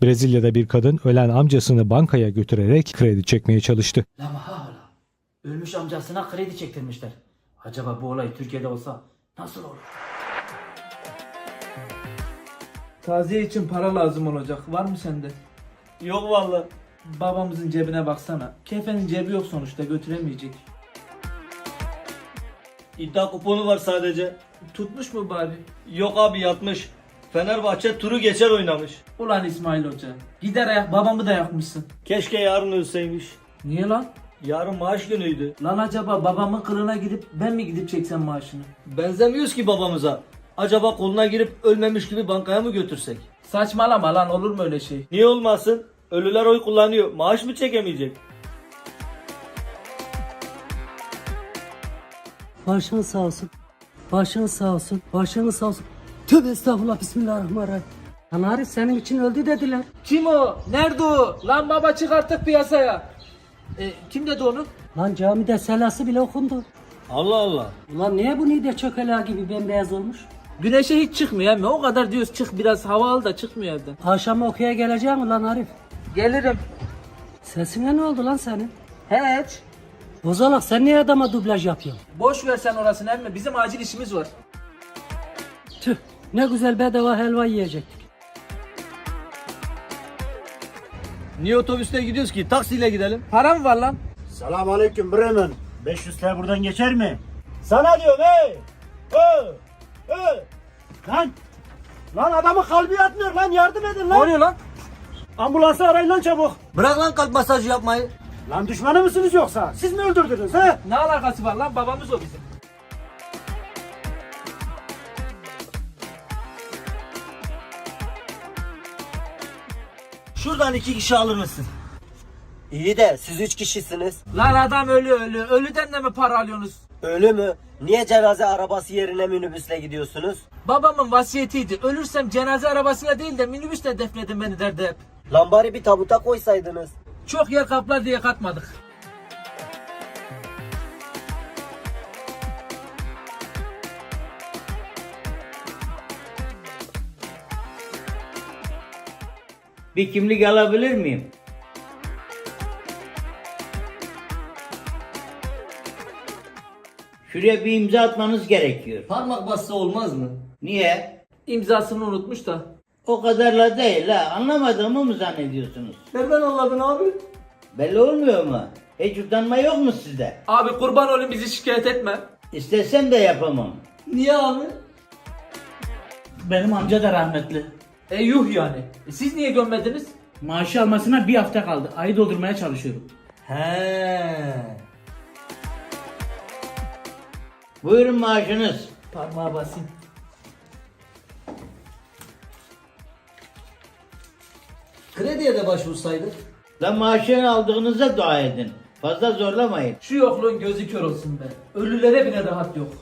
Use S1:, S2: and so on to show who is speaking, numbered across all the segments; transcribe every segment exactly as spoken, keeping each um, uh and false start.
S1: Brezilya'da bir kadın ölen amcasını bankaya götürerek kredi çekmeye çalıştı.
S2: La mahala. Ölmüş amcasına kredi çektirmişler. Acaba bu olay Türkiye'de olsa nasıl olur?
S3: Taziye için para lazım olacak. Var mı sende?
S4: Yok vallahi.
S3: Babamızın cebine baksana. Kefenin cebi yok sonuçta, götüremeyecek.
S4: İddia kuponu var sadece.
S3: Tutmuş mu bari?
S4: Yok abi yatmış. Fenerbahçe turu geçer oynamış.
S3: Ulan İsmail Hoca. Gider ayak babamı da yakmışsın.
S4: Keşke yarın ölseymiş.
S3: Niye lan?
S4: Yarın maaş günüydü.
S3: Lan acaba babamın kılına gidip ben mi gidip çeksem maaşını?
S4: Benzemiyoruz ki babamıza. Acaba koluna girip ölmemiş gibi bankaya mı götürsek?
S3: Saçmalama lan, olur mu öyle şey?
S4: Niye olmasın? Ölüler oy kullanıyor. Maaş mı çekemeyecek?
S5: Başınız sağ olsun. Başınız sağ olsun. Başınız sağ olsun. Tövbe estağfurullah, bismillahirrahmanirrahim. Lan Arif senin için öldü dediler.
S3: Kim o? Nerede o? Lan baba çık artık piyasaya. E, kim dedi onu?
S5: Lan camide selası bile okundu.
S4: Allah Allah.
S5: Ulan niye bu nide çökela gibi bembeyaz olmuş?
S3: Güneşe hiç çıkmıyor mi? O kadar diyoruz çık biraz hava al da çıkmıyor evden.
S5: Akşam okuya gelecek mi lan Arif?
S3: Gelirim.
S5: Sesine ne oldu lan senin?
S3: Hiç.
S5: Bozalak, sen niye adama dublaj yapıyorsun?
S3: Boş ver sen orasını emmi. Bizim acil işimiz var.
S5: Tüh, ne güzel bedava helva yiyecektik.
S4: Niye otobüste gidiyoruz ki? Taksiyle gidelim.
S3: Para mı var lan?
S6: Selamünaleyküm Bremen. beş yüz T buradan geçer mi? Sana diyorum hey! Hey! Hey! Lan! Lan adamın kalbi yatmıyor lan, yardım edin
S3: Ne
S6: lan!
S3: oluyor lan?
S6: Ambulansı arayın lan çabuk!
S4: Bırak lan kalp masajı yapmayı.
S6: Lan düşmanı mısınız yoksa? Siz mi öldürdünüz he?
S3: Ne alakası var lan? Babamız o bizim.
S4: Şuradan iki kişi alır mısın?
S7: İyi de siz üç kişisiniz.
S3: Lan adam ölü ölü. Ölüden de mi para alıyorsunuz?
S7: Ölü mü? Niye cenaze arabası yerine minibüsle gidiyorsunuz?
S3: Babamın vasiyetiydi. Ölürsem cenaze arabasıyla değil de minibüsle defnedin beni derdi hep.
S7: Lambari bir tabuta koysaydınız.
S3: Çok yer kaplar diye katmadık.
S8: Bir kimlik alabilir miyim? Şuraya bir imza atmanız gerekiyor.
S4: Parmak bassa olmaz mı?
S8: Niye?
S3: İmzasını unutmuş da.
S8: O kadarla değil ha. Anlamadığımı mı zannediyorsunuz?
S4: Nereden anladın abi?
S8: Belli olmuyor mu? Hiç utanma yok mu sizde?
S3: Abi kurban olayım, bizi şikayet etme.
S8: İstesem de yapamam.
S4: Niye abi?
S9: Benim amca da rahmetli.
S3: E yuh yani. E, siz niye gömmediniz?
S9: Maaşı almasına bir hafta kaldı. Ayı doldurmaya çalışıyorum.
S4: He.
S8: Buyurun maaşınız.
S3: Parmağa basayım.
S4: Krediye de başvursaydık.
S8: Lan maaşını aldığınıza dua edin. Fazla zorlamayın.
S3: Şu yokluğun gözü kör olsun be. Ölülere bile rahat yok.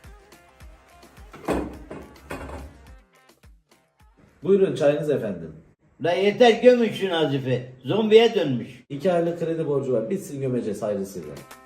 S10: Buyurun çayınız efendim.
S8: La yeter gömün şu Nazif'i. Zombiye dönmüş.
S10: İki aylık kredi borcu var. Bitsin gömeceğiz hayırlısıyla.